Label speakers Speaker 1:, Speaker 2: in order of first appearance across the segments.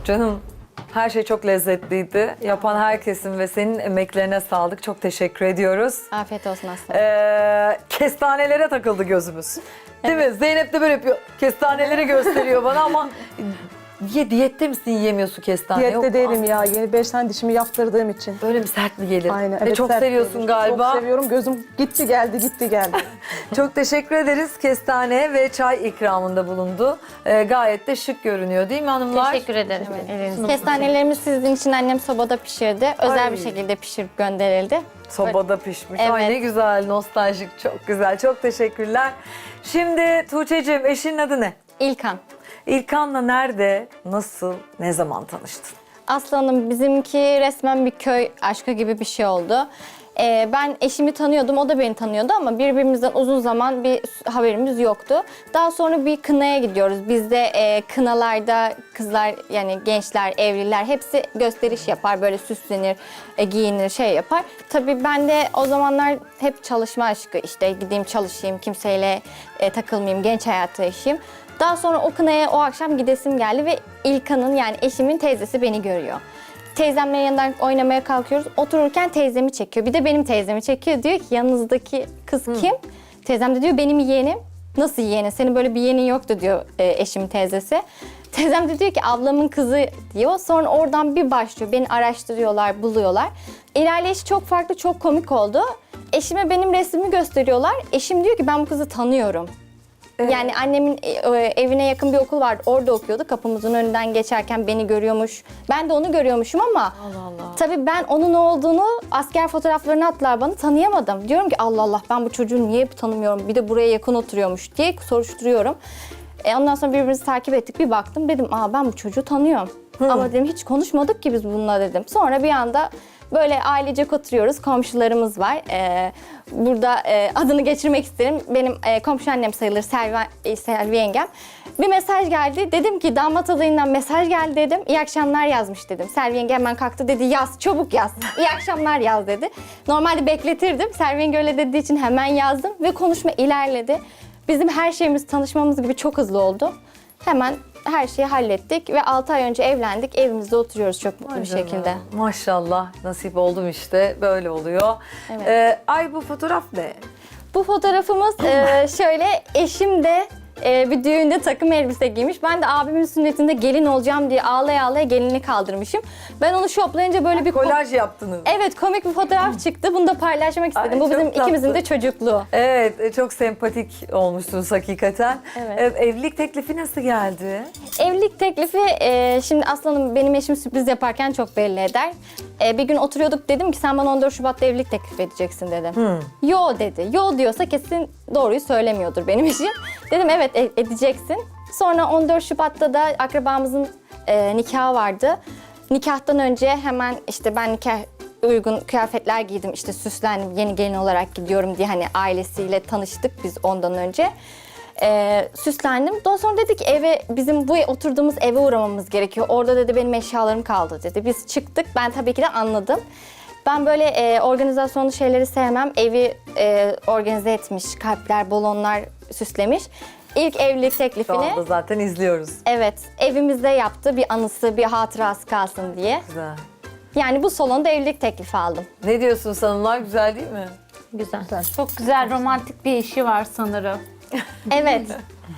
Speaker 1: Canım her şey çok lezzetliydi. Yapan herkesin ve senin emeklerine sağlık. Çok teşekkür ediyoruz.
Speaker 2: Afiyet olsun aslında.
Speaker 1: Kestanelere takıldı gözümüz. Değil mi? Zeynep de böyle yapıyor. Kestaneleri gösteriyor bana ama diyette misin, yiyemiyorsun kestane?
Speaker 3: Diyette
Speaker 1: Yok,
Speaker 3: değilim ya. Yeni 5 tane dişimi yaptırdığım için.
Speaker 1: Böyle mi sert mi gelir?
Speaker 3: Aynen.
Speaker 1: Ve
Speaker 3: Evet,
Speaker 1: çok
Speaker 3: sert
Speaker 1: seviyorsun
Speaker 3: gelir.
Speaker 1: galiba.
Speaker 3: Çok seviyorum. Gözüm gitti geldi, gitti geldi.
Speaker 1: Çok teşekkür ederiz. Kestane ve çay ikramında bulundu. Gayet de şık görünüyor değil mi hanımlar?
Speaker 4: Teşekkür ederim.
Speaker 2: Kestanelerimiz sizin için annem sobada pişirdi. Özel
Speaker 1: Ay.
Speaker 2: bir şekilde pişirip gönderildi.
Speaker 1: Sobada pişmiş.
Speaker 2: Evet.
Speaker 1: Ay ne güzel, nostaljik, çok güzel. Çok teşekkürler. Şimdi Tuğçe'cim, eşinin adı ne?
Speaker 2: İlkan.
Speaker 1: İlkan'la nerede, nasıl, ne zaman tanıştın?
Speaker 2: Aslanım bizimki resmen bir köy aşkı gibi bir şey oldu. Ben eşimi tanıyordum, o da beni tanıyordu ama birbirimizden uzun zaman bir haberimiz yoktu. Daha sonra bir kınaya gidiyoruz. Bizde kınalarda kızlar yani gençler, evliler hepsi gösteriş yapar. Böyle süslenir, giyinir, şey yapar. Tabii ben de o zamanlar hep çalışma aşkı işte gideyim çalışayım, kimseyle takılmayayım, genç hayatı yaşayayım. Daha sonra o kınaya o akşam gidesim geldi ve İlkan'ın yani eşimin teyzesi beni görüyor. Teyzemle yanından oynamaya kalkıyoruz. Otururken teyzemi çekiyor. Bir de benim teyzemi çekiyor. Diyor ki yanınızdaki kız kim? Teyzem de diyor benim yeğenim. Nasıl yeğenin? Senin böyle bir yeğenin yoktu diyor eşimin teyzesi. Teyzem de diyor ki ablamın kızı diyor. Sonra oradan bir başlıyor. Beni araştırıyorlar, buluyorlar. İlerleyişi çok farklı, çok komik oldu. Eşime benim resmimi gösteriyorlar. Eşim diyor ki ben bu kızı tanıyorum. Yani annemin evine yakın bir okul vardı. Orada okuyordu. Kapımızın önünden geçerken beni görüyormuş. Ben de onu görüyormuşum ama
Speaker 1: Allah Allah.
Speaker 2: tabii ben onun ne olduğunu asker fotoğraflarını attılar bana tanıyamadım. Diyorum ki Allah Allah ben bu çocuğu niye tanımıyorum? Bir de buraya yakın oturuyormuş diye soruşturuyorum. Ondan sonra birbirimizi takip ettik. Bir baktım dedim ben bu çocuğu tanıyorum. Ama dedim hiç konuşmadık ki biz bununla dedim. Sonra bir anda böyle ailecek oturuyoruz. Komşularımız var. Burada adını geçirmek isterim. Benim komşu annem sayılır Selvi yengem. Bir mesaj geldi. Dedim ki damat adayından mesaj geldi dedim. İyi akşamlar yazmış dedim. Selvi yenge hemen kalktı dedi yaz çabuk yaz. İyi akşamlar yaz dedi. Normalde bekletirdim. Selvi yenge öyle dediği için hemen yazdım ve konuşma ilerledi. Bizim her şeyimiz tanışmamız gibi çok hızlı oldu. Hemen her şeyi hallettik ve 6 ay önce evlendik. Evimizde oturuyoruz çok mutlu bir şekilde.
Speaker 1: Maşallah nasip oldum işte böyle oluyor.
Speaker 2: Evet.
Speaker 1: Ay bu fotoğraf ne?
Speaker 2: Bu fotoğrafımız şöyle eşim de bir düğünde takım elbise giymiş. Ben de abimin sünnetinde gelin olacağım diye ağlaya ağlaya gelinini kaldırmışım. Ben onu şoplayınca böyle bir
Speaker 1: Kolaj yaptınız.
Speaker 2: Evet komik bir fotoğraf çıktı. Bunu da paylaşmak istedim.
Speaker 1: Ay,
Speaker 2: Bu bizim
Speaker 1: çok tatlı.
Speaker 2: ikimizin de çocukluğu.
Speaker 1: Evet çok sempatik olmuşsunuz hakikaten.
Speaker 2: Evet.
Speaker 1: Evlilik teklifi nasıl geldi?
Speaker 2: Evlilik teklifi şimdi aslanım benim eşim sürpriz yaparken çok belli eder. Bir gün oturuyorduk dedim ki sen bana 14 Şubat'ta evlilik teklif edeceksin dedim. Yo dedi. Yo diyorsa kesin doğruyu söylemiyordur benim eşim. Dedim evet edeceksin. Sonra 14 Şubat'ta da akrabamızın nikahı vardı. Nikahtan önce hemen işte ben nikah uygun kıyafetler giydim. İşte süslendim yeni gelin olarak gidiyorum diye hani ailesiyle tanıştık biz ondan önce. Süslendim. Daha sonra dedik eve bizim bu oturduğumuz eve uğramamız gerekiyor. Orada dedi benim eşyalarım kaldı dedi. Biz çıktık. Ben tabii ki de anladım. Ben böyle organizasyonlu şeyleri sevmem. Evi organize etmiş, kalpler, balonlar süslemiş. İlk evlilik
Speaker 1: Şu
Speaker 2: teklifini
Speaker 1: anda zaten izliyoruz.
Speaker 2: evet evimizde yaptı. Bir anısı, bir hatırası kalsın diye.
Speaker 1: Güzel.
Speaker 2: Yani bu salonda evlilik teklifi aldım.
Speaker 1: Ne diyorsun hanımlar, güzel değil mi?
Speaker 4: Güzel. Çok güzel romantik bir işi var sanırım.
Speaker 2: Evet.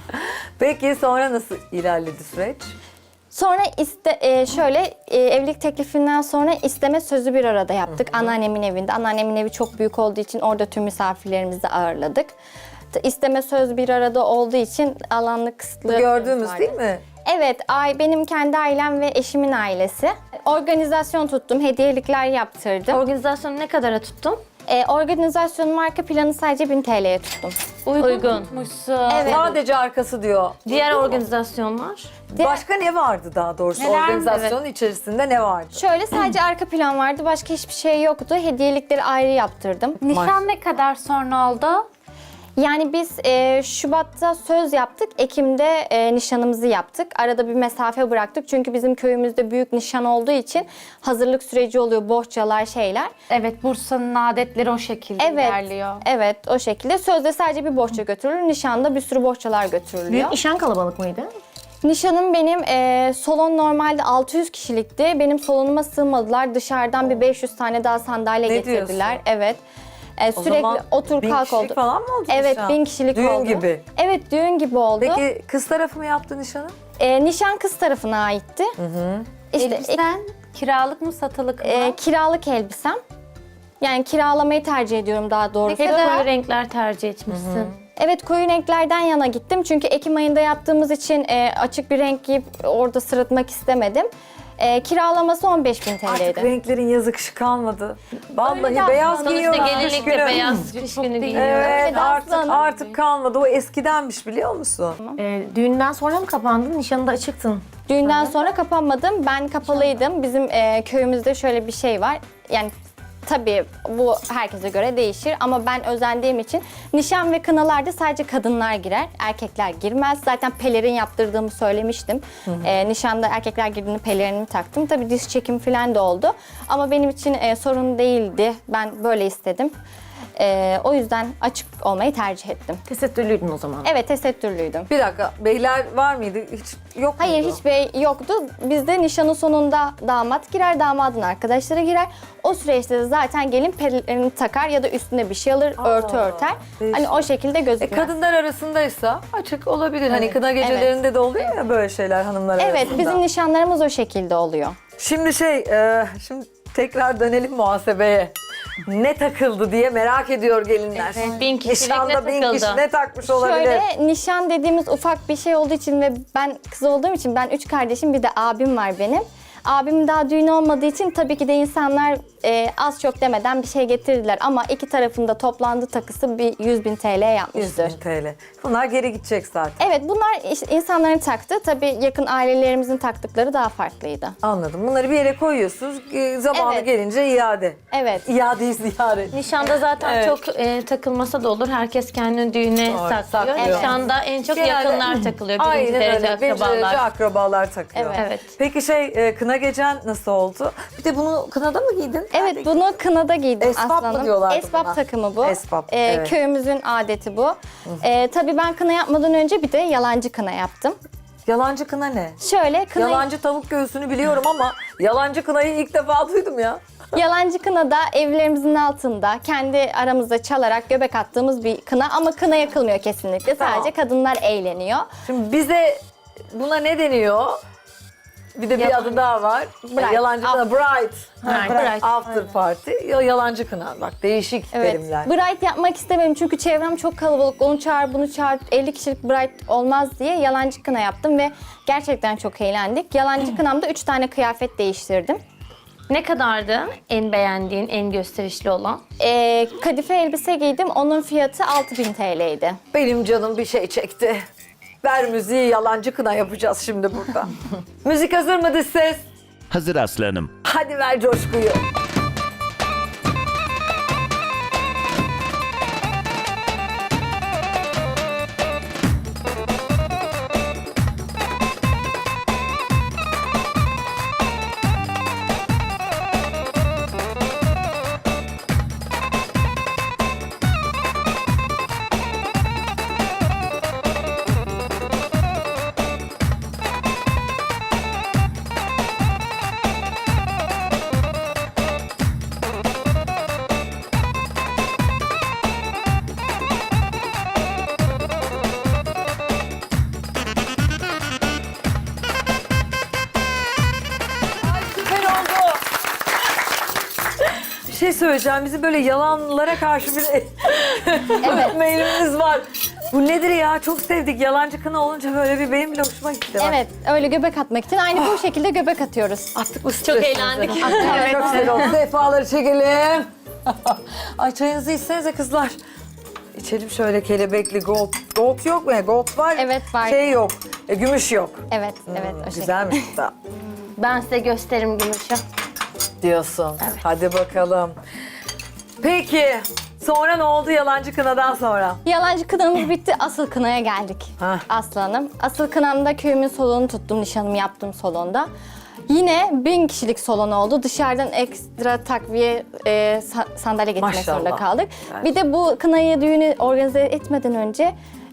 Speaker 1: Peki sonra nasıl ilerledi süreç?
Speaker 2: Sonra şöyle evlilik teklifinden sonra isteme sözü bir arada yaptık. Anneannemin evinde. Anneannemin evi çok büyük olduğu için orada tüm misafirlerimizi ağırladık. İsteme söz bir arada olduğu için alanlık kısıtlı.
Speaker 1: Gördüğümüz
Speaker 2: vardı.
Speaker 1: değil mi?
Speaker 2: Evet, benim kendi ailem ve eşimin ailesi. Organizasyon tuttum, hediyelikler yaptırdım.
Speaker 4: Organizasyonu ne kadara tuttun?
Speaker 2: Organizasyonun arka planı sadece 1000 TL'ye tuttum.
Speaker 4: Uygunmuşsun.
Speaker 2: Evet.
Speaker 1: Sadece arkası diyor.
Speaker 4: Diğer organizasyonlar?
Speaker 1: Başka ne vardı daha doğrusu?
Speaker 4: Neler?
Speaker 1: Organizasyonun içerisinde ne vardı?
Speaker 2: Şöyle sadece arka plan vardı, başka hiçbir şey yoktu. Hediyelikleri ayrı yaptırdım.
Speaker 4: Nişan ne kadar sonra oldu?
Speaker 2: Yani biz Şubat'ta söz yaptık, Ekim'de nişanımızı yaptık. Arada bir mesafe bıraktık çünkü bizim köyümüzde büyük nişan olduğu için hazırlık süreci oluyor, bohçalar, şeyler.
Speaker 4: Evet, Bursa'nın adetleri o şekilde ilerliyor.
Speaker 2: Evet, o şekilde. Sözde sadece bir bohça götürülür, nişanda bir sürü bohçalar götürülüyor.
Speaker 5: Büyük nişan kalabalık mıydı?
Speaker 2: Nişanım benim salon normalde 600 kişilikti. Benim salonuma sığmadılar. Dışarıdan bir 500 tane daha sandalye
Speaker 1: Ne
Speaker 2: getirdiler.
Speaker 1: diyorsun?
Speaker 2: Evet.
Speaker 1: O
Speaker 2: Sürekli
Speaker 1: zaman
Speaker 2: otur
Speaker 1: 1000
Speaker 2: kalk
Speaker 1: kişilik
Speaker 2: oldu.
Speaker 1: falan mı oldu
Speaker 2: Evet,
Speaker 1: nişan?
Speaker 2: 1000 kişilik
Speaker 1: Düğün
Speaker 2: oldu.
Speaker 1: gibi.
Speaker 2: Evet, düğün gibi oldu.
Speaker 1: Peki kız tarafı mı yaptı nişanı?
Speaker 2: Nişan kız tarafına aitti. İşte
Speaker 4: Elbisen kiralık mı satılık mı?
Speaker 2: kiralık elbisem. Yani kiralamayı tercih ediyorum daha
Speaker 4: Ne
Speaker 2: doğrusu.
Speaker 4: kadar koyu renkler tercih etmişsin.
Speaker 2: Evet, koyu renklerden yana gittim. Çünkü Ekim ayında yaptığımız için açık bir renk giyip orada sırıtmak istemedim. Kiralaması 15.000
Speaker 1: Artık
Speaker 2: TL'ydi.
Speaker 1: renklerin yazı kışı kalmadı. Vallahi
Speaker 2: Öyle de
Speaker 1: beyaz
Speaker 2: aslında
Speaker 1: giyiyorlar.
Speaker 4: Sonuçta
Speaker 1: kış
Speaker 4: gelinlikle
Speaker 1: günü.
Speaker 4: beyaz kış günü giyiyor.
Speaker 1: Evet
Speaker 2: Öyle de
Speaker 1: artık
Speaker 2: aslında.
Speaker 1: artık kalmadı. O eskidenmiş biliyor musun?
Speaker 5: Düğünden sonra mı kapandın? Nişanında açıktın.
Speaker 2: Düğünden sonra kapanmadım. Ben kapalıydım. Bizim köyümüzde şöyle bir şey var. Yani tabii bu herkese göre değişir ama ben özendiğim için nişan ve kınalarda sadece kadınlar girer. Erkekler girmez. Zaten pelerin yaptırdığımı söylemiştim. Nişanda erkekler girdiğinde pelerinimi taktım. Tabii diş çekimi falan da oldu. Ama benim için sorun değildi. Ben böyle istedim. O yüzden açık olmayı tercih ettim.
Speaker 5: Tesettürlüydün o zaman.
Speaker 2: Evet, tesettürlüydüm.
Speaker 1: Bir dakika beyler var mıydı? Hiç yok
Speaker 2: Hayır,
Speaker 1: muydu?
Speaker 2: hiç bey yoktu. Bizde nişanın sonunda damat girer, damadın arkadaşları girer. O süreçte de zaten gelin pelerini takar ya da üstüne bir şey alır, örtü örter.
Speaker 1: değişik.
Speaker 2: Hani o şekilde gözükmez.
Speaker 1: Kadınlar arasındaysa açık olabilir. Hani kına gecelerinde de oluyor ya böyle şeyler hanımlar
Speaker 2: Evet,
Speaker 1: arasında.
Speaker 2: bizim nişanlarımız o şekilde oluyor.
Speaker 1: Şimdi şimdi tekrar dönelim muhasebeye. Ne takıldı diye merak ediyor gelinler.
Speaker 4: 1000 kişilik
Speaker 1: Nişanda
Speaker 4: ne
Speaker 1: 1000
Speaker 4: takıldı?
Speaker 1: kişi ne takmış olabilir?
Speaker 2: Şöyle nişan dediğimiz ufak bir şey olduğu için ve ben kız olduğum için ben 3 kardeşim bir de abim var benim. Abim daha düğün olmadığı için tabii ki de insanlar az çok demeden bir şey getirdiler. Ama iki tarafında toplandı takısı bir 100.000 TL
Speaker 1: 100
Speaker 2: yapmıştır.
Speaker 1: bin TL. Bunlar geri gidecek zaten.
Speaker 2: Evet, bunlar işte insanların taktı. Tabii yakın ailelerimizin taktıkları daha farklıydı.
Speaker 1: Anladım. Bunları bir yere koyuyorsunuz. Zamanı
Speaker 2: Evet.
Speaker 1: gelince iade.
Speaker 2: Evet.
Speaker 1: İade-i ziyaret.
Speaker 4: Nişanda zaten
Speaker 1: Evet.
Speaker 4: çok takılmasa da olur. Herkes kendini düğüne
Speaker 1: Doğru,
Speaker 4: saklıyor.
Speaker 1: saklıyor.
Speaker 4: Nişanda en çok
Speaker 1: Genelde-
Speaker 4: yakınlar takılıyor. Birinci
Speaker 1: Aynen
Speaker 4: derece
Speaker 1: öyle. Birinci derece
Speaker 4: akrabalar.
Speaker 1: akrabalar takıyor.
Speaker 2: Evet.
Speaker 4: Evet.
Speaker 1: Peki kına gecen nasıl oldu? Bir de bunu kınada mı giydin?
Speaker 2: Evet,
Speaker 1: Nerede
Speaker 2: bunu kınada giydim
Speaker 1: Esbab mı
Speaker 2: aslanım.
Speaker 1: diyorlardı
Speaker 2: Esbab
Speaker 1: buna?
Speaker 2: takımı bu.
Speaker 1: Esbab, evet.
Speaker 2: Köyümüzün adeti bu. Tabii ben kına yapmadan önce bir de yalancı kına yaptım.
Speaker 1: Yalancı kına ne?
Speaker 2: Şöyle kına
Speaker 1: Yalancı tavuk göğsünü biliyorum ama yalancı kınayı ilk defa duydum ya.
Speaker 2: Yalancı kına da evlerimizin altında kendi aramızda çalarak göbek attığımız bir kına ama kına yakılmıyor kesinlikle.
Speaker 1: Tamam.
Speaker 2: Sadece kadınlar eğleniyor.
Speaker 1: Şimdi bize buna ne deniyor? Bir de bir adı daha var.
Speaker 2: Bride.
Speaker 1: Yalancı kına, bride.
Speaker 4: Bride.
Speaker 1: After party. Yalancı kına. Bak değişik
Speaker 2: Evet.
Speaker 1: terimler.
Speaker 2: Bride yapmak istemedim çünkü çevrem çok kalabalık. Onu çağır, bunu çağır. 50 kişilik bride olmaz diye yalancı kına yaptım ve gerçekten çok eğlendik. Yalancı kınamda 3 tane kıyafet değiştirdim.
Speaker 4: Ne kadardı en beğendiğin, en gösterişli olan?
Speaker 2: Kadife elbise giydim. Onun fiyatı 6.000 TL'ydi.
Speaker 1: Benim canım bir şey çekti. Ver müziği, yalancı kına yapacağız şimdi burada. Müzik hazır mı dış ses?
Speaker 6: Hazır aslanım.
Speaker 1: Hadi ver coşkuyu. Süper oldu. Bir şey söyleyeceğim. Bizim böyle yalanlara karşı bir meylimiz var. Bu nedir ya? Çok sevdik. Yalancı kına olunca böyle bir benim bile hoşuma gitti. Bak.
Speaker 2: Evet, öyle göbek atmak için aynı bu şekilde göbek atıyoruz.
Speaker 1: Attık bu
Speaker 4: Çok
Speaker 1: stresimizi.
Speaker 4: eğlendik.
Speaker 1: Evet, çok güzel oldu. Sefaları çekelim. Ay çayınızı içsenize kızlar. İçelim şöyle kelebekli gold. Gold yok mu? Gold var.
Speaker 2: Evet, var.
Speaker 1: Şey yok. Gümüş yok.
Speaker 2: Evet, evet o şekilde.
Speaker 1: Güzelmiş bu da.
Speaker 4: Ben size gösteririm gümüşü.
Speaker 1: Diyorsun. Hadi bakalım. Peki. Sonra ne oldu yalancı kınadan sonra?
Speaker 2: Yalancı kınamız bitti, asıl kınaya geldik
Speaker 1: Hah.
Speaker 2: aslanım. Asıl kınamda köyümün salonunu tuttum, nişanımı yaptığım salonda. Yine 1000 kişilik salon oldu. Dışarıdan ekstra takviye sandalye getirmek
Speaker 1: Maşallah.
Speaker 2: zorunda kaldık.
Speaker 1: Evet.
Speaker 2: Bir de bu kınayı düğünü organize etmeden önce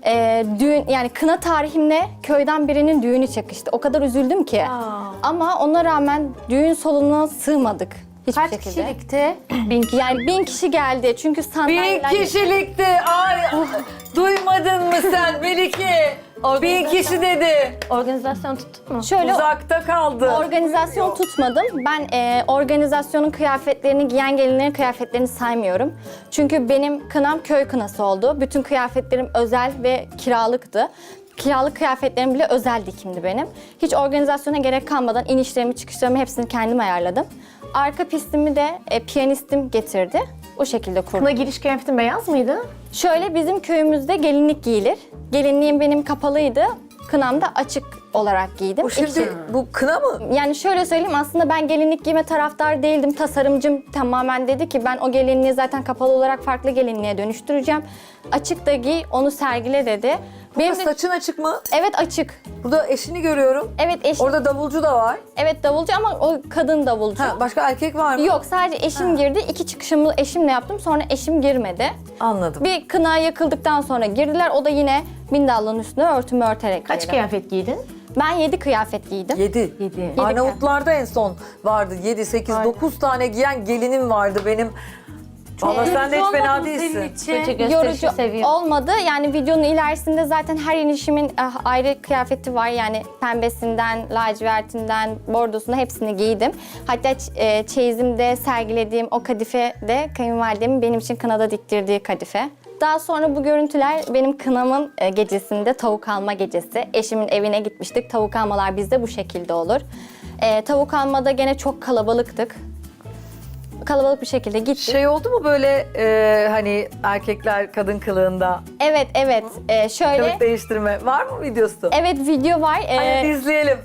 Speaker 2: Düğün yani kına tarihimle köyden birinin düğünü çakıştı. O kadar üzüldüm ki. Ama ona rağmen düğün salonuna sığmadık. Hiçbir
Speaker 4: Kaç
Speaker 2: şekilde.
Speaker 4: kişilikti?
Speaker 2: Yani 1000 kişi geldi çünkü sandalyeler...
Speaker 1: 1000 kişilikti. Ay, duymadın mı sen Melike? 1000 kişi dedi.
Speaker 5: Organizasyon tuttun mu?
Speaker 2: Şöyle
Speaker 1: Uzakta kaldı.
Speaker 2: organizasyon tutmadım. Ben organizasyonun kıyafetlerini, giyen gelinlerin kıyafetlerini saymıyorum. Çünkü benim kınam köy kınası oldu. Bütün kıyafetlerim özel ve kiralıktı. Kiralık kıyafetlerim bile özel dikimdi benim. Hiç organizasyona gerek kalmadan inişlerimi, çıkışlarımı hepsini kendim ayarladım. Arka pistimi de piyanistim getirdi. O şekilde kurdum.
Speaker 5: Kına giriş kıyafetin beyaz mıydı?
Speaker 2: Şöyle bizim köyümüzde gelinlik giyilir. Gelinliğim benim kapalıydı. Kınam da açık olarak giydim.
Speaker 1: Bu şimdi bu kına mı?
Speaker 2: Yani şöyle söyleyeyim aslında ben gelinlik giyme taraftar değildim. Tasarımcım tamamen dedi ki ben o gelinliği zaten kapalı olarak farklı gelinliğe dönüştüreceğim. Açık da giy, onu sergile dedi. Benim de,
Speaker 1: Saçın açık mı?
Speaker 2: evet açık.
Speaker 1: Burada eşini görüyorum.
Speaker 2: Evet eşim.
Speaker 1: Orada davulcu da var.
Speaker 2: Evet davulcu ama o kadın davulcu.
Speaker 1: Ha, başka erkek var mı?
Speaker 2: Yok sadece eşim girdi. 2 çıkışımı eşimle yaptım. Sonra eşim girmedi.
Speaker 1: Anladım.
Speaker 2: Bir kına yakıldıktan sonra girdiler. O da yine bindallığın üstüne örtümü örterek
Speaker 5: Kaç
Speaker 2: girdi.
Speaker 5: kıyafet giydin?
Speaker 2: Ben 7 kıyafet giydim.
Speaker 1: 7.
Speaker 5: 7.
Speaker 1: Arnavutlarda en son vardı. 7, 8, 9 tane giyen gelinim vardı benim. Valla sen de hiç fena
Speaker 4: Olmadı mı senin
Speaker 1: değilsin.
Speaker 4: için?
Speaker 5: Gösterişi
Speaker 2: Yorucu
Speaker 5: seviyor.
Speaker 2: olmadı. Yani videonun ilerisinde zaten her inişimin ayrı kıyafeti var. Yani pembesinden, lacivertinden, bordosuna hepsini giydim. Hatta çeyizimde sergilediğim o kadife de kayınvalidemin benim için kınada diktirdiği kadife. Daha sonra bu görüntüler benim kınamın gecesinde tavuk alma gecesi. Eşimin evine gitmiştik. Tavuk almalar bizde bu şekilde olur. Tavuk almada gene çok kalabalıktık. Kalabalık bir şekilde gittik.
Speaker 1: Şey oldu mu böyle hani erkekler kadın kılığında
Speaker 2: Evet, evet. Şöyle.
Speaker 1: kılık değiştirme var mı videosu?
Speaker 2: Evet video var.
Speaker 1: Hadi izleyelim.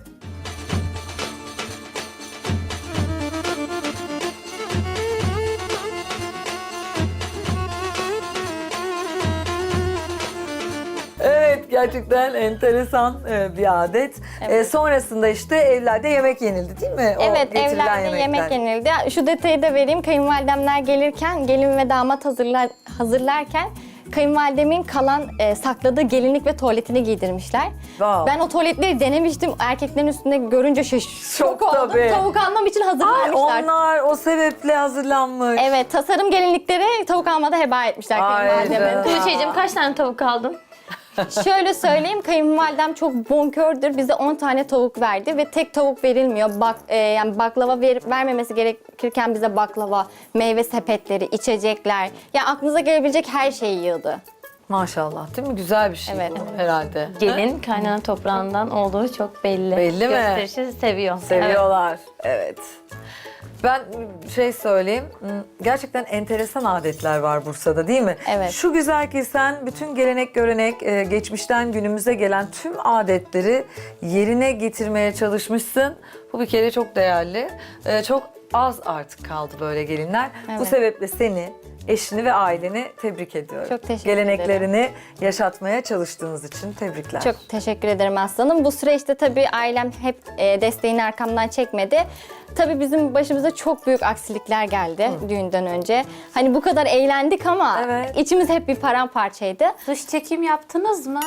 Speaker 1: Evet, gerçekten enteresan bir adet. Sonrasında işte evlerde yemek yenildi değil mi? O
Speaker 2: Evet,
Speaker 1: getirilen
Speaker 2: evlerde
Speaker 1: yemekler.
Speaker 2: yemek yenildi. Şu detayı da vereyim. Kayınvalidemler gelirken, gelin ve damat hazırlarken kayınvalidemin kalan sakladığı gelinlik ve tuvaletini giydirmişler.
Speaker 1: Wow.
Speaker 2: Ben o tuvaletleri denemiştim. Erkeklerin üstünde görünce şok
Speaker 1: Şok
Speaker 2: oldum.
Speaker 1: tabii.
Speaker 2: Tavuk almam için
Speaker 1: Ay,
Speaker 2: hazırlanmışlar.
Speaker 1: onlar o sebeple hazırlanmış.
Speaker 2: Evet, tasarım gelinlikleri tavuk almada heba etmişler
Speaker 1: Ay
Speaker 2: kayınvalidemin.
Speaker 1: canım.
Speaker 5: Tuğçe'cim kaç tane tavuk aldın?
Speaker 2: Şöyle söyleyeyim, kayınvalidem çok bonkördür. Bize 10 tane tavuk verdi ve tek tavuk verilmiyor. Yani baklava vermemesi gerekirken bize baklava, meyve sepetleri, içecekler. Yani aklınıza gelebilecek her şeyi yığdı.
Speaker 1: Maşallah değil mi? Güzel bir şey
Speaker 2: Evet.
Speaker 1: bu herhalde.
Speaker 5: Gelin kaynana toprağından olduğu çok belli.
Speaker 1: Belli mi?
Speaker 5: Gösterişi seviyor.
Speaker 1: Seviyorlar. Evet. Ben şey söyleyeyim, gerçekten enteresan adetler var Bursa'da değil mi?
Speaker 2: Evet.
Speaker 1: Şu güzel ki sen bütün gelenek görenek, geçmişten günümüze gelen tüm adetleri yerine getirmeye çalışmışsın. Bu bir kere çok değerli. Çok az artık kaldı böyle gelinler. Bu
Speaker 2: Evet.
Speaker 1: sebeple seni, eşini ve aileni tebrik ediyorum.
Speaker 2: Çok teşekkür
Speaker 1: Geleneklerini yaşatmaya çalıştığınız için tebrikler.
Speaker 2: Çok teşekkür ederim aslanım. Bu süreçte tabii ailem hep desteğini arkamdan çekmedi. Tabii bizim başımıza çok büyük aksilikler geldi düğünden önce. Hani bu kadar eğlendik ama
Speaker 1: Evet.
Speaker 2: içimiz hep bir paramparçaydı.
Speaker 4: Dış çekim yaptınız mı?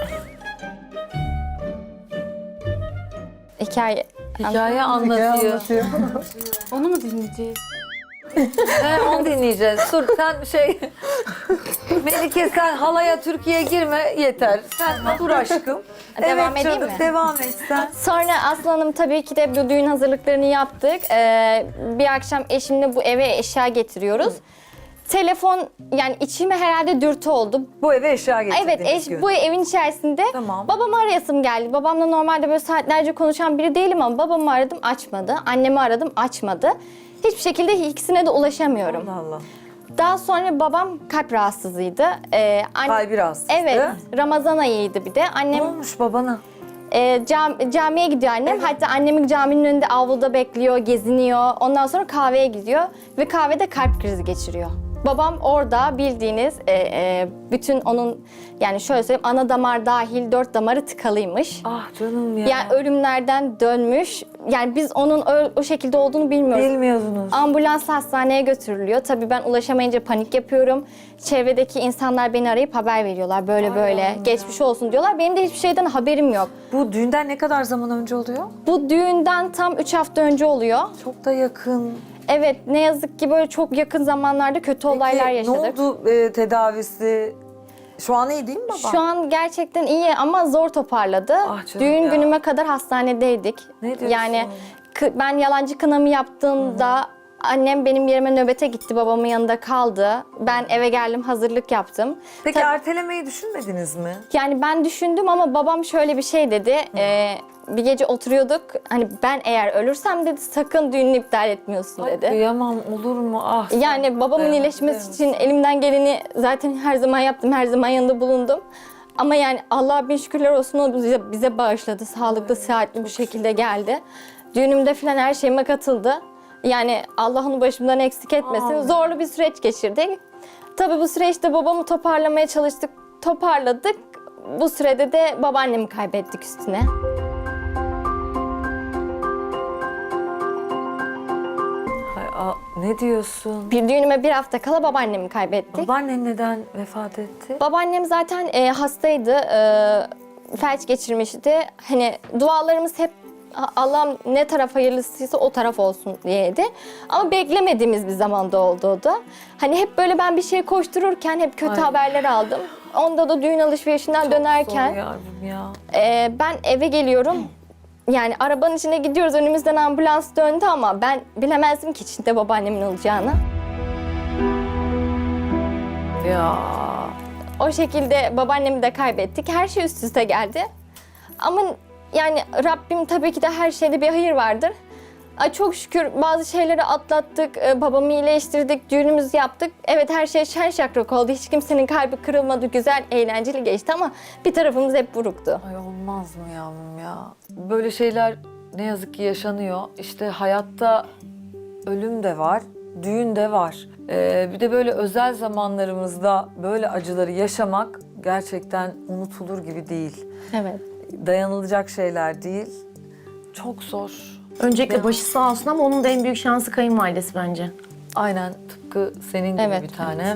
Speaker 2: Hikaye
Speaker 1: anlatıyor.
Speaker 4: Onu mu dinleyeceğiz?
Speaker 1: Onu dinleyeceğiz. Dur sen Melike sen halaya Türkiye girme yeter. Sen dur aşkım.
Speaker 2: Devam edeyim
Speaker 1: canım,
Speaker 2: mi?
Speaker 1: devam et sen.
Speaker 2: Sonra aslanım tabii ki de bu düğün hazırlıklarını yaptık. Bir akşam eşimle bu eve eşya getiriyoruz. Telefon yani içime herhalde dürtü oldu.
Speaker 1: Bu eve eşya getirdiniz.
Speaker 2: Evet, bu evin içerisinde
Speaker 1: Tamam.
Speaker 2: babamı arayasım geldi. Babamla normalde böyle saatlerce konuşan biri değilim ama babamı aradım açmadı. Annemi aradım açmadı. Hiçbir şekilde ikisine de ulaşamıyorum.
Speaker 1: Allah Allah.
Speaker 2: Daha sonra babam kalp rahatsızıydı.
Speaker 1: Kalbi rahatsızdı.
Speaker 2: Evet, Ramazan ayıydı bir de.
Speaker 1: Ne
Speaker 2: Annem
Speaker 1: olmuş babana?
Speaker 2: camiye gidiyor annem. Hatta annemin caminin önünde avluda bekliyor, geziniyor. Ondan sonra kahveye gidiyor ve kahvede kalp krizi geçiriyor. Babam orada bildiğiniz bütün onun yani şöyle söyleyeyim ana damar dahil 4 damarı tıkalıymış.
Speaker 1: Ah canım ya.
Speaker 2: Yani ölümlerden dönmüş. Yani biz onun o şekilde olduğunu bilmiyoruz.
Speaker 1: Bilmiyordunuz.
Speaker 2: Ambulansla hastaneye götürülüyor. Tabii ben ulaşamayınca panik yapıyorum. Çevredeki insanlar beni arayıp haber veriyorlar. Böyle böyle geçmiş olsun diyorlar. Benim de hiçbir şeyden haberim yok.
Speaker 1: Bu düğünden ne kadar zaman önce oluyor?
Speaker 2: Bu düğünden tam 3 hafta önce oluyor.
Speaker 1: Çok da yakın.
Speaker 2: Evet ne yazık ki böyle çok yakın zamanlarda kötü olaylar yaşadık.
Speaker 1: Ne oldu tedavisi? Şu an iyi değil mi baba?
Speaker 2: Şu an gerçekten iyi ama zor toparladı.
Speaker 1: Ah canım
Speaker 2: Düğün
Speaker 1: ya.
Speaker 2: günüme kadar hastanedeydik.
Speaker 1: Ne diyorsun?
Speaker 2: Yani ben yalancı kınamı yaptığımda annem benim yerime nöbete gitti, babamın yanında kaldı. Ben eve geldim, hazırlık yaptım.
Speaker 1: Peki
Speaker 2: Tabii-
Speaker 1: ertelemeyi düşünmediniz mi?
Speaker 2: Yani ben düşündüm ama babam şöyle bir şey dedi. Bir gece oturuyorduk. Hani ben eğer ölürsem dedi sakın düğününü iptal etmiyorsun
Speaker 1: Ay,
Speaker 2: dedi.
Speaker 1: kıyamam olur mu? Ah.
Speaker 2: Yani babamın
Speaker 1: dayanamam,
Speaker 2: iyileşmesi için elimden geleni zaten her zaman yaptım. Her zaman yanında bulundum. Ama yani Allah'a bin şükürler olsun o bize bağışladı. Sağlıklı, sıhhatli bir şekilde geldi. Düğünümde falan her şeyime katıldı. Yani Allah onu başımdan eksik etmesin.
Speaker 1: Amin.
Speaker 2: Zorlu bir süreç geçirdik. Tabii bu süreçte babamı toparlamaya çalıştık. Toparladık. Bu sürede de babaannemi kaybettik üstüne.
Speaker 1: Ne diyorsun?
Speaker 2: Bir düğünüme bir hafta kala babaannemi kaybettik.
Speaker 1: Babaannen neden vefat etti?
Speaker 2: Babaannem zaten hastaydı, felç geçirmişti. Hani dualarımız hep Allah'ım ne taraf hayırlısıysa o taraf olsun diyeydi. Ama beklemediğimiz bir zamanda oldu o da. Hani hep böyle ben bir şey koştururken hep kötü
Speaker 1: Ay.
Speaker 2: haberler aldım. Onda da düğün alışverişinden dönerken
Speaker 1: Zor yavrum ya.
Speaker 2: ben eve geliyorum. Yani arabanın içine gidiyoruz, önümüzden ambulans döndü ama ben bilemezdim ki içinde babaannemin olacağını.
Speaker 1: Ya.
Speaker 2: O şekilde babaannemi de kaybettik. Her şey üst üste geldi. Ama yani Rabbim tabii ki de her şeyde bir hayır vardır. Ay çok şükür bazı şeyleri atlattık, babamı iyileştirdik, düğünümüzü yaptık. Evet her şey şen şakrak oldu. Hiç kimsenin kalbi kırılmadı, güzel, eğlenceli geçti ama bir tarafımız hep buruktu.
Speaker 1: Ay olmaz mı yavrum ya? Böyle şeyler ne yazık ki yaşanıyor. İşte hayatta ölüm de var, düğün de var. Bir de böyle özel zamanlarımızda böyle acıları yaşamak gerçekten unutulur gibi değil.
Speaker 2: Evet.
Speaker 1: Dayanılacak şeyler değil. Çok zor.
Speaker 6: Öncelikle başı sağ olsun ama onun da en büyük şansı kayınvalidesi bence.
Speaker 1: Aynen tıpkı senin gibi
Speaker 2: Evet.
Speaker 1: bir tanem.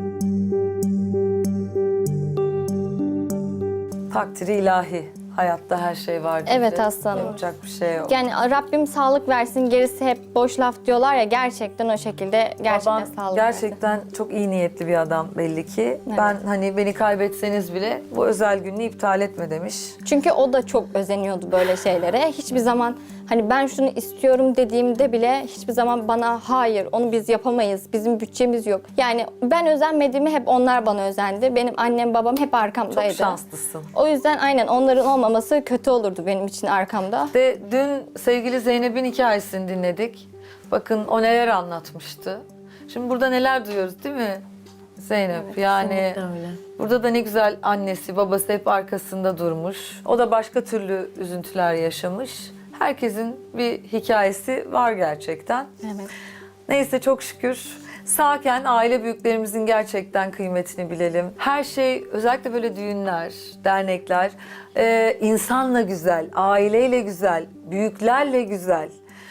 Speaker 1: Takdiri ilahi. Hayatta her şey var.
Speaker 2: Evet
Speaker 1: dedi.
Speaker 2: aslanım.
Speaker 1: Yapacak bir şey yok.
Speaker 2: Yani Rabbim sağlık versin, gerisi hep boş laf diyorlar ya gerçekten o şekilde gerçekten
Speaker 1: Baban
Speaker 2: sağlık versin.
Speaker 1: gerçekten çok iyi niyetli bir adam belli ki. Ben hani beni kaybetseniz bile bu özel gününü iptal etme demiş.
Speaker 2: Çünkü o da çok özeniyordu böyle şeylere. Hiçbir zaman hani ben şunu istiyorum dediğimde bile hiçbir zaman bana hayır onu biz yapamayız, bizim bütçemiz yok. Yani ben özenmediğimi hep onlar bana özendi. Benim annem babam hep arkamdaydı.
Speaker 1: Çok şanslısın.
Speaker 2: O yüzden aynen onların olmaması kötü olurdu benim için arkamda.
Speaker 1: De dün sevgili Zeynep'in hikayesini dinledik. Bakın o neler anlatmıştı. Şimdi burada neler duyuyoruz değil mi Zeynep? Yani
Speaker 6: Öyle.
Speaker 1: burada da ne güzel annesi, babası hep arkasında durmuş. O da başka türlü üzüntüler yaşamış. Herkesin bir hikayesi var gerçekten.
Speaker 2: Evet.
Speaker 1: Neyse çok şükür. Sağken aile büyüklerimizin gerçekten kıymetini bilelim. Her şey özellikle böyle düğünler, dernekler insanla güzel, aileyle güzel, büyüklerle güzel.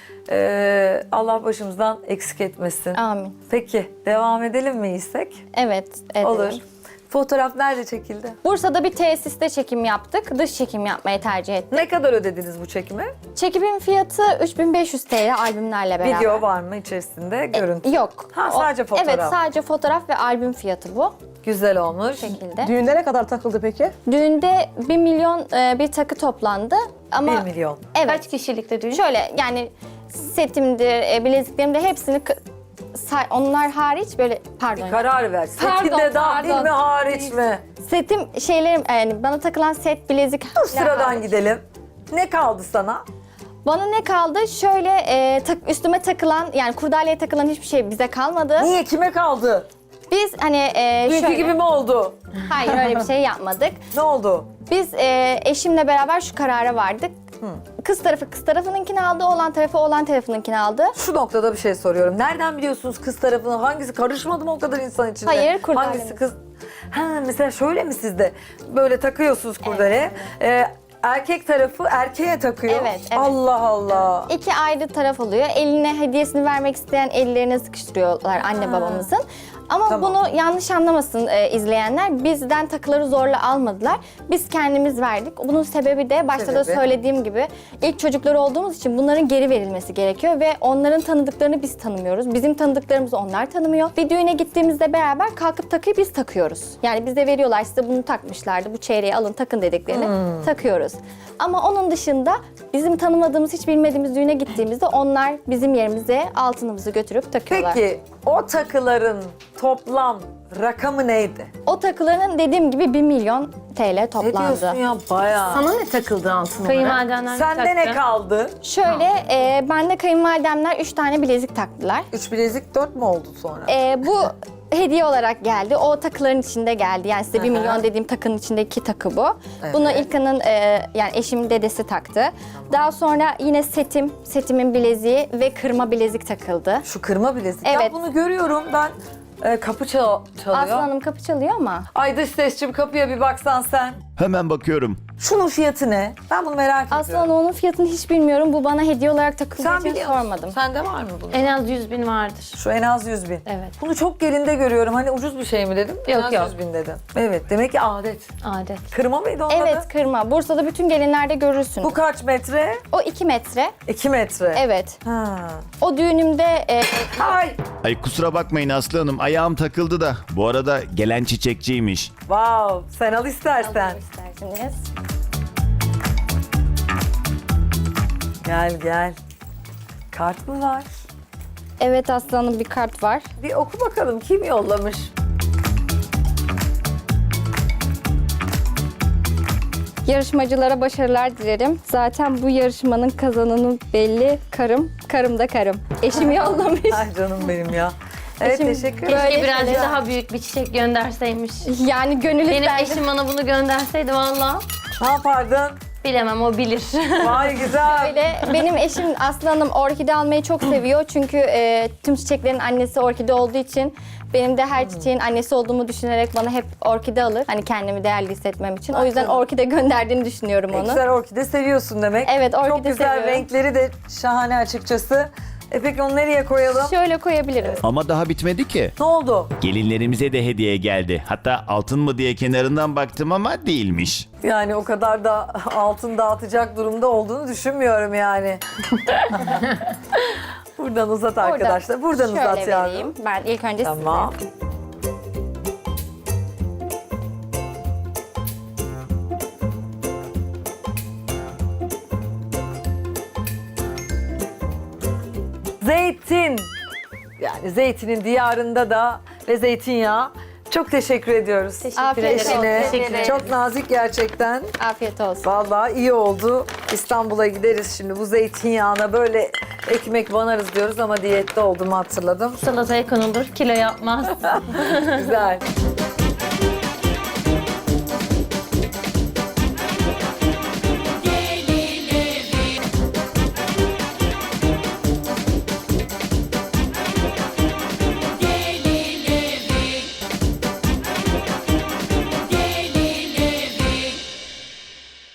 Speaker 1: Allah başımızdan eksik etmesin.
Speaker 2: Amin.
Speaker 1: Peki devam edelim mi İstek?
Speaker 2: Evet, edelim.
Speaker 1: Olur. Fotoğraf nerede çekildi?
Speaker 2: Bursa'da bir tesiste çekim yaptık. Dış çekim yapmayı tercih ettik.
Speaker 1: Ne kadar ödediniz bu çekime?
Speaker 2: Çekimin fiyatı 3500 TL albümlerle beraber.
Speaker 1: Video var mı içerisinde? Görüntü.
Speaker 2: Yok.
Speaker 1: Ha, sadece fotoğraf.
Speaker 2: Evet, sadece fotoğraf ve albüm fiyatı bu
Speaker 1: Güzel olmuş.
Speaker 2: şekilde.
Speaker 3: Düğünde ne kadar takıldı peki?
Speaker 2: Düğünde 1 milyon bir takı toplandı. Ama
Speaker 1: 1 milyon.
Speaker 2: evet.
Speaker 5: Kaç kişilikte düğün?
Speaker 2: Şöyle yani setimdir, bileziklerimdir hepsini onlar hariç böyle pardon.
Speaker 1: Karar ver. Setinde
Speaker 2: Pardon,
Speaker 1: dahil
Speaker 2: pardon.
Speaker 1: mi hariç mi?
Speaker 2: Setim şeylerim yani bana takılan set, bilezik.
Speaker 1: Dur sıradan gidelim. Ne kaldı sana?
Speaker 2: Bana ne kaldı? Şöyle üstüme takılan yani kurdaleye takılan hiçbir şey bize kalmadı.
Speaker 1: Niye? Kime kaldı?
Speaker 2: Biz hani
Speaker 1: Dünkü
Speaker 2: şöyle.
Speaker 1: gibi mi oldu?
Speaker 2: Hayır öyle bir şey yapmadık.
Speaker 1: Ne oldu?
Speaker 2: Biz eşimle beraber şu karara vardık. Kız tarafı kız tarafınınkini aldı, oğlan tarafı oğlan tarafınınkini aldı.
Speaker 1: Şu noktada bir şey soruyorum. Nereden biliyorsunuz kız tarafını? Hangisi? Karışmadı mı o kadar insan içinde?
Speaker 2: Hayır, kurdelemiz.
Speaker 1: Hangisi kız? Ha, mesela şöyle mi sizde? Böyle takıyorsunuz kurdele. Erkek tarafı erkeğe takıyor.
Speaker 2: Evet, evet.
Speaker 1: Allah Allah.
Speaker 2: İki ayrı taraf oluyor. Eline hediyesini vermek isteyen ellerine sıkıştırıyorlar anne babamızın. Ama
Speaker 1: Tamam.
Speaker 2: bunu yanlış anlamasın izleyenler. Bizden takıları zorla almadılar. Biz kendimiz verdik. Bunun sebebi de başta da
Speaker 1: Sebebi?
Speaker 2: söylediğim gibi ilk çocukları olduğumuz için bunların geri verilmesi gerekiyor ve onların tanıdıklarını biz tanımıyoruz. Bizim tanıdıklarımızı onlar tanımıyor. Bir düğüne gittiğimizde beraber kalkıp takıyı biz takıyoruz. Yani bize veriyorlar, size bunu takmışlardı. Bu çeyreği alın takın dediklerini takıyoruz. Ama onun dışında bizim tanımadığımız, hiç bilmediğimiz düğüne gittiğimizde onlar bizim yerimize altınımızı götürüp takıyorlar.
Speaker 1: Peki o takıların toplam rakamı neydi?
Speaker 2: O takıların dediğim gibi 1 milyon TL
Speaker 1: Ne
Speaker 2: toplandı.
Speaker 1: diyorsun ya bayağı.
Speaker 6: Sana ne takıldı altın olarak?
Speaker 5: Kayınvalidenden
Speaker 1: Sende ne kaldı?
Speaker 2: Şöyle, bende kayınvalidemler 3 tane bilezik taktılar.
Speaker 1: 3 bilezik 4 mü oldu sonra?
Speaker 2: Bu hediye olarak geldi. O takıların içinde geldi. Yani size 1
Speaker 1: Hı hı.
Speaker 2: milyon dediğim takının içindeki takı bu.
Speaker 1: Evet.
Speaker 2: Bunu İlkan'ın yani eşimin dedesi taktı. Daha sonra yine setimin bileziği ve kırma bilezik takıldı.
Speaker 1: Şu kırma bilezik. Ya
Speaker 2: Evet.
Speaker 1: bunu görüyorum ben. Kapı çalıyor.
Speaker 2: Aslı Hanım kapı çalıyor ama.
Speaker 1: Ay dış sesçim kapıya bir baksan sen.
Speaker 7: Hemen bakıyorum.
Speaker 1: Şunun fiyatı ne? Ben bunu merak
Speaker 2: Aslı
Speaker 1: ediyorum.
Speaker 2: Hanım onun fiyatını hiç bilmiyorum. Bu bana hediye olarak takıldığı
Speaker 1: Sen
Speaker 2: için
Speaker 1: biliyor musun?
Speaker 2: sormadım.
Speaker 1: Sende var mı bunun?
Speaker 5: En az 100.000 vardır.
Speaker 1: Şu en az 100 bin.
Speaker 5: Evet.
Speaker 1: Bunu çok gelinde görüyorum. Hani ucuz bir şey mi dedim? En
Speaker 5: Yok,
Speaker 1: az
Speaker 5: yok.
Speaker 1: 100 bin dedim. Evet demek ki adet.
Speaker 5: Adet.
Speaker 1: Kırma mıydı onun
Speaker 2: Evet
Speaker 1: adı?
Speaker 2: kırma. Bursa'da bütün gelinlerde görürsün.
Speaker 1: Bu kaç metre?
Speaker 2: O 2 metre.
Speaker 1: 2 metre.
Speaker 2: Evet.
Speaker 1: Ha.
Speaker 2: O düğünümde
Speaker 1: Ay.
Speaker 7: Ay kusura bakmayın Aslı Hanım, ayağım takıldı da. Bu arada gelen çiçekçiymiş.
Speaker 1: Wow. Sen al istersen.
Speaker 2: isterseniz.
Speaker 1: Gel gel. Kart mı var?
Speaker 2: Evet Aslı Hanım bir kart var.
Speaker 1: Bir oku bakalım kim yollamış?
Speaker 2: Yarışmacılara başarılar dilerim. Zaten bu yarışmanın kazananı belli. Karım da karım. Eşim yollamış.
Speaker 1: Ay canım benim ya. Evet
Speaker 2: Eşim
Speaker 1: teşekkür
Speaker 2: böyle-
Speaker 1: ederim.
Speaker 5: Keşke birazcık
Speaker 2: şeyler-
Speaker 5: daha büyük bir çiçek gönderseymiş.
Speaker 2: Yani gönül
Speaker 5: Benim
Speaker 2: isterdi.
Speaker 5: eşim bana bunu gönderseydi valla
Speaker 1: Ne yapardın?
Speaker 5: bilemem, o bilir.
Speaker 1: Vay güzel.
Speaker 2: Öyle. Benim eşim Aslı Hanım orkide almayı çok seviyor. Çünkü tüm çiçeklerin annesi orkide olduğu için benim de her çiçeğin annesi olduğumu düşünerek bana hep orkide alır. Hani kendimi değerli hissetmem için. O yüzden orkide gönderdiğini düşünüyorum onu.
Speaker 1: Güzel orkide seviyorsun demek.
Speaker 2: Evet, orkide
Speaker 1: Çok güzel
Speaker 2: seviyorum.
Speaker 1: renkleri de şahane açıkçası. Peki onu nereye koyalım?
Speaker 2: Şöyle koyabilirim.
Speaker 7: Ama daha bitmedi ki.
Speaker 1: Ne oldu?
Speaker 7: Gelinlerimize de hediye geldi. Hatta altın mı diye kenarından baktım ama değilmiş.
Speaker 1: Yani o kadar da altın dağıtacak durumda olduğunu düşünmüyorum yani. Buradan uzat arkadaşlar. Buradan
Speaker 2: Şöyle
Speaker 1: uzat yavrum.
Speaker 2: vereyim. Ben ilk önce
Speaker 1: Tamam. Zeytin. Yani zeytinin diyarında da ve zeytinyağı. Çok teşekkür ediyoruz.
Speaker 2: Afiyet olsun.
Speaker 1: Eşine.
Speaker 2: Teşekkür ederim.
Speaker 1: Çok nazik gerçekten.
Speaker 2: Afiyet olsun.
Speaker 1: Vallahi iyi oldu. İstanbul'a gideriz şimdi. Bu zeytinyağına böyle ekmek banarız diyoruz ama diyette olduğumu hatırladım.
Speaker 5: Salataya konulur, kilo yapmaz.
Speaker 1: Güzel.